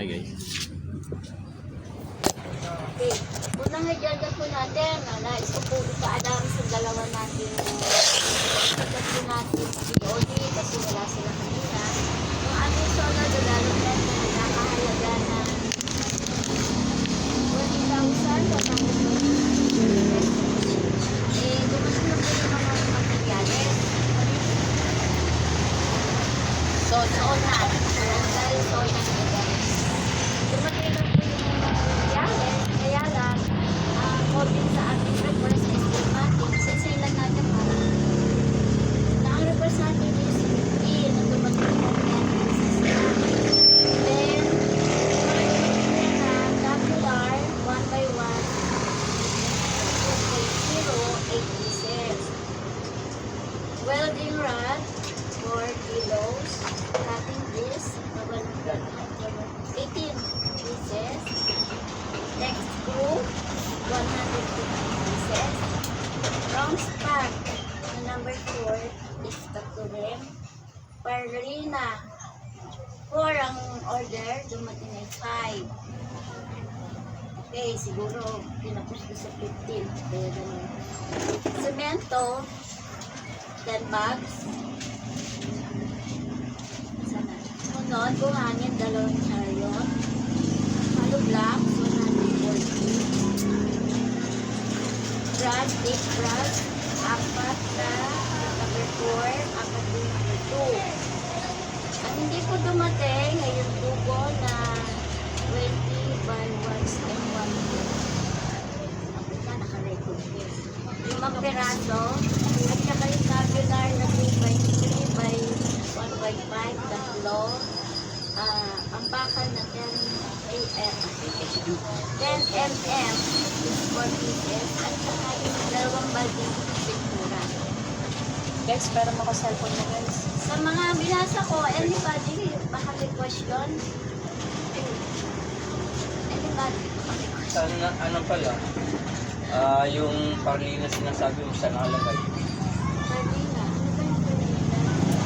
guys. Okay. Unang agenda po natin, nais ko po ipaalam sa dalawa natin po natin POD kasi wala sila kanina. Yung ating solar development na nakahalaga na 20,000 dumating na po yung mga materyales. Soon na. Dahil soon na guys. Dumating na po yung mga materyales. Kaya lang, according sa ating request na estimating, sisilan natin para na ang request natin is 15 na dumating yung materials system. Then, dumating na WR 1 by 1 2.08 pieces. Welding rod 4 kilos. Cutting disc 18 pieces. Next screw 150 pieces. Wrong spark na number 4 is rim. Parlina 4 ang order, dumating ay 5. Okay, siguro pinapos ko sa 15. Kaya ganun. Semento 10 bags. Sana. Sunod, buhangin 2 chariot. Hollow blocks 140. Brush, big brush 4 na number 4, 4 din number 2. Ang hindi po dumating ay yung tubo na 20 by 1 and 1. Ang ika naka-record din. 5 peraso at saka yung tabular na 3 by 3 by 1 by 5 tatlo. Ang bakal na 10 mm is 4 pieces at saka yung 2 balding pintura. Guys, pero maka-cellphone na guys. Sa mga binasa ko, anybody baka may question? Anybody baka may question? Ano pala? Yung parlina sinasabi mo sa nakalagay. Pardina. Ano ba yung pardina?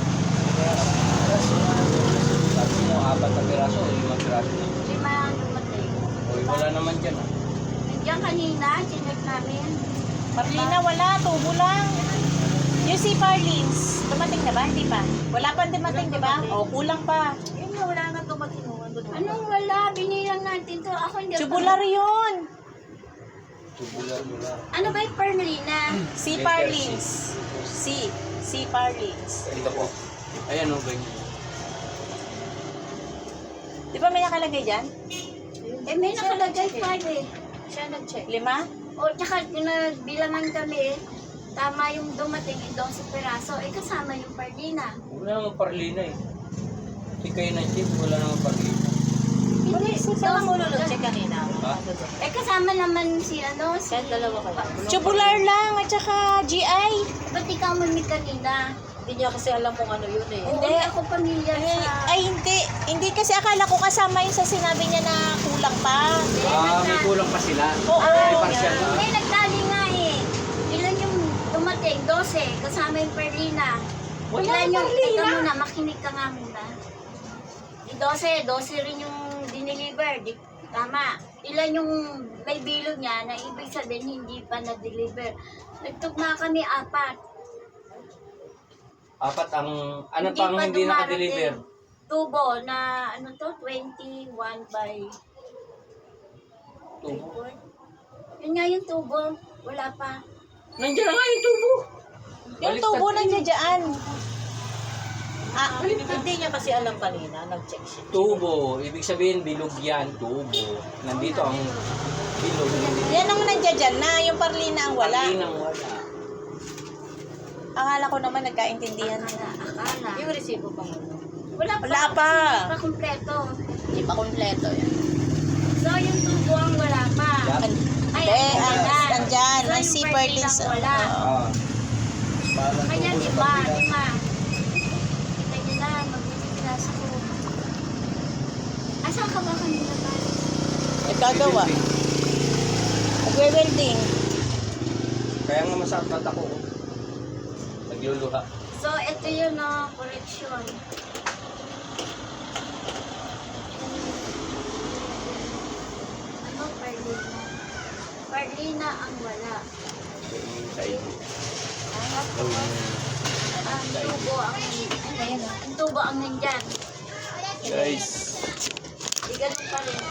Sabi mo, 4 na piraso o 5 piraso na. 5 ang dumating. Uy, wala naman dyan ah. Nandiyan kanina, chinek namin. Marlina, wala. Tubo lang. Yung si Parlins, dumating na ba? Hindi pa. Wala pa dumating, di ba? O, kulang pa. Yun na, wala nga dumating. Anong wala? Binilang natin to. Ako hindi. Tubular yun. Tubular. Ano ba yung Perlina? Si Parlins. Si Parlins. Dito po. Ayan o, ganyan. Di ba may nakalagay dyan? May nakalagay pa eh. Siya nag-check. 5? O, tsaka bilangan kami, tama yung dumating doon sa peraso, kasama yung Pardina. Wala naman parlina eh. Si kayo na chip, wala naman parlina. Hindi, Saan mo check kanina? Ha? kasama naman si si... dalawa kayo. Tubular lang at saka GI. Ba't ikaw mami kanina? Hindi niya kasi alam kung ano yun eh. Hindi ako pamilya sa... Ay, hindi. Hindi kasi akala ko kasama yun sa sinabi niya na kulang pa. May kulang pa sila. Oo. May partial na. May nagtali nga eh. Ilan yung dumating? 12. Kasama yung Perlina. Wala Ilan yung yung... Perlina. Teka muna, makinig ka nga muna. 12 rin yung dineliver. Tama. Ilan yung may bilog niya na ibig sabihin hindi pa na-deliver. Nagtugma kami 4. 4 ang... Ano pang hindi naka-deliver? Tubo na 21 by... Tubo. Yun nga yung tubo. Wala pa. Nandiyan na nga yung tubo. Yung tubo nandiyan dyan. Hindi niya kasi alam kanina, nag-check siya. Tubo. Ibig sabihin, bilog yan. Tubo. Nandito ang bilog. Yan ang nandiyan dyan na. Yung Parlina ang wala. Parlinang wala. Akala ko naman nagkaintindihan. Akala. Yung resibo pa mo. Wala pa. Wala pa. Hindi pa kumpleto. Hindi pa kompleto yan. So, yung tubo ang wala pa. Yan. Ay, Hindi, andyan. So, Ang yung si birthday Perlins. lang wala. Kaya 5. Kita nyo na, mag-class ko. Asan ka ba kanina ba? Nagkagawa. Nagwe-welding. Kaya nga masakit ako. Nagluluha. So, ito yun, correction. Marlina ang wala. Gawin mo. Ang tubo ang ang tubo ang nandyan. Guys, Di ganun pa rin.